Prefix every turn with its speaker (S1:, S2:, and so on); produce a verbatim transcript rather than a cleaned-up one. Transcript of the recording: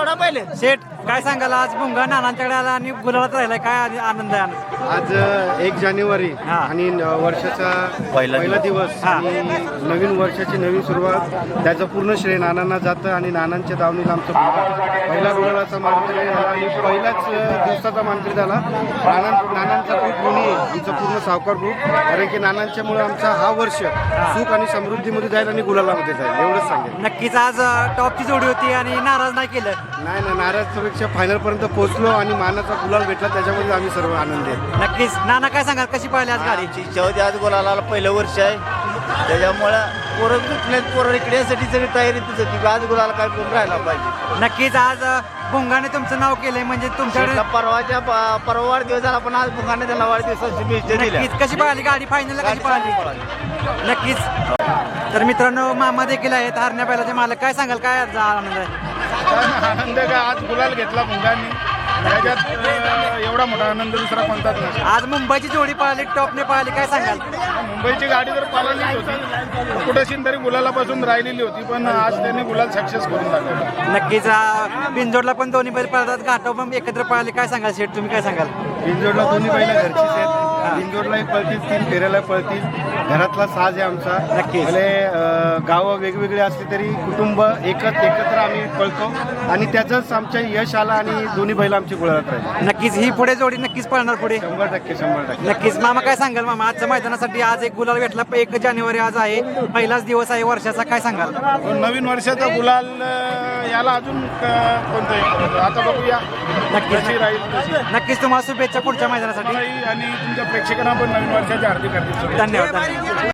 S1: सोडा पहिले
S2: शेठ काय सांगाल आज भुंगा नानांच्याकडे आला आणि गुलाबात राहिलाय काय आधी आनंद आहे आज?
S3: आज एक जानेवारी
S2: हा.
S3: आणि न- वर्षाचा पहिला दिवस
S2: हा.
S3: आणि नवीन वर्षाची नवीन सुरुवात त्याचं पूर्ण श्रेय नानांना जातं आणि नानांच्या दावणीला आमचा मुलगा पहिला गुलाबाचा मानकरी झाला आणि पहिल्याच दिवसाचा मानकरी झाला. नाना नानांचा खूप ऋणी आहे आमचा पूर्ण सावकार ग्रुप, कारण की नानांच्यामुळे आमचा हा वर्ष सुख आणि समृद्धीमध्ये जाईल आणि गुलालामध्ये जाईल एवढंच सांगेल.
S2: नक्कीच आज अ, टॉपची जोडी होती आणि नाराज नाही केलं.
S3: नाही ना, नाराजपेक्षा फायनलपर्यंत पोहोचलो आणि मानाचा गुलाल भेटला त्याच्यामध्ये आम्ही सर्व आनंदी आहे.
S2: नक्कीच नाना काय सांगाल कशी पाहिली आज गाडी?
S1: आमची इच्छा होती आज बोलायला पहिलं वर्ष आहे त्याच्यामुळं पोरं कुठले पोरं इकडे यासाठी सगळी तयारीतच होती की आज गुलाला काय करून राहायला पाहिजे.
S2: नक्कीच आज अ, भुंगाने तुमचं नाव केलंय म्हणजे तुमच्याकडे
S1: शेठला परवाच्या प- परवा वाढदिवस झाला पण आज मुखाने त्याला वाढदिवसाची शुभेच्छा दिल्या.
S2: नक्कीच कशी पाहिली गाडी फायनलला कशी पाहिली? नक्कीच. तर मित्रांनो मामा देखील आहेत हरण्या बैलाचे मालक, काय सांगाल काय आज आनंद आहे?
S4: आनंद का आज गुलाल घेतला मुंगांनी, त्याच्यात अं, एवढा मोठा आनंद दुसरा कोणताच नाही.
S2: आज मुंबईची जोडी पळाली टॉपने पळाली, काय सांगाल?
S4: मुंबईची गाडी जर पाळलीच होती कुठेशी तरी गुलालापासून राहिलेली होती, पण आज त्यांनी गुलाल सक्सेस करून दाखवला.
S2: नक्कीच अ, बिनजोडला पण दोन्ही बैल पळतात, घाटाव पण एकत्र पळाले, काय सांगाल शेठ तुम्ही काय सांगाल?
S3: बिनजोडला दोन्ही बैला घरचीच आहेत. बिनजोडलाही पळतील, तीन फेऱ्याला पळतील. घरातला साज आहे आमचा.
S2: नक्कीच.
S3: भले अं, गावं वेगवेगळी असली तरी कुटुंब एकच एकत्र आम्ही पळतो आणि त्याचंच आमच्या यश आला आणि दोन्ही बैल आमची गुलालात राहिली.
S2: नक्कीच ही पुढे जोडी नक्कीच पळणार पुढे.
S3: शंभर टक्के शंभर टक्के
S2: नक्कीच मामा काय सांगाल मामा आजच्या मैदानासाठी? आज एक गुलाल भेटला, एक जानेवारी आज आहे, पहिलाच दिवस आहे वर्षाचा, काय सांगाल?
S4: पण नवीन वर्षाचा गुलाल अं, याला अजून क- कोणतं आहे? आता बघूया
S2: नक्कीच.
S4: कशी राहील तशी.
S2: नक्कीच तुम्हाला शुभेच्छा पुढच्या मैदानासाठी.
S4: आणि तुमच्या प्रेक्षकांना पण नवीन वर्षाच्या हार्दिक हार्दिक शुभेच्छा.
S2: धन्यवाद धन्यवाद.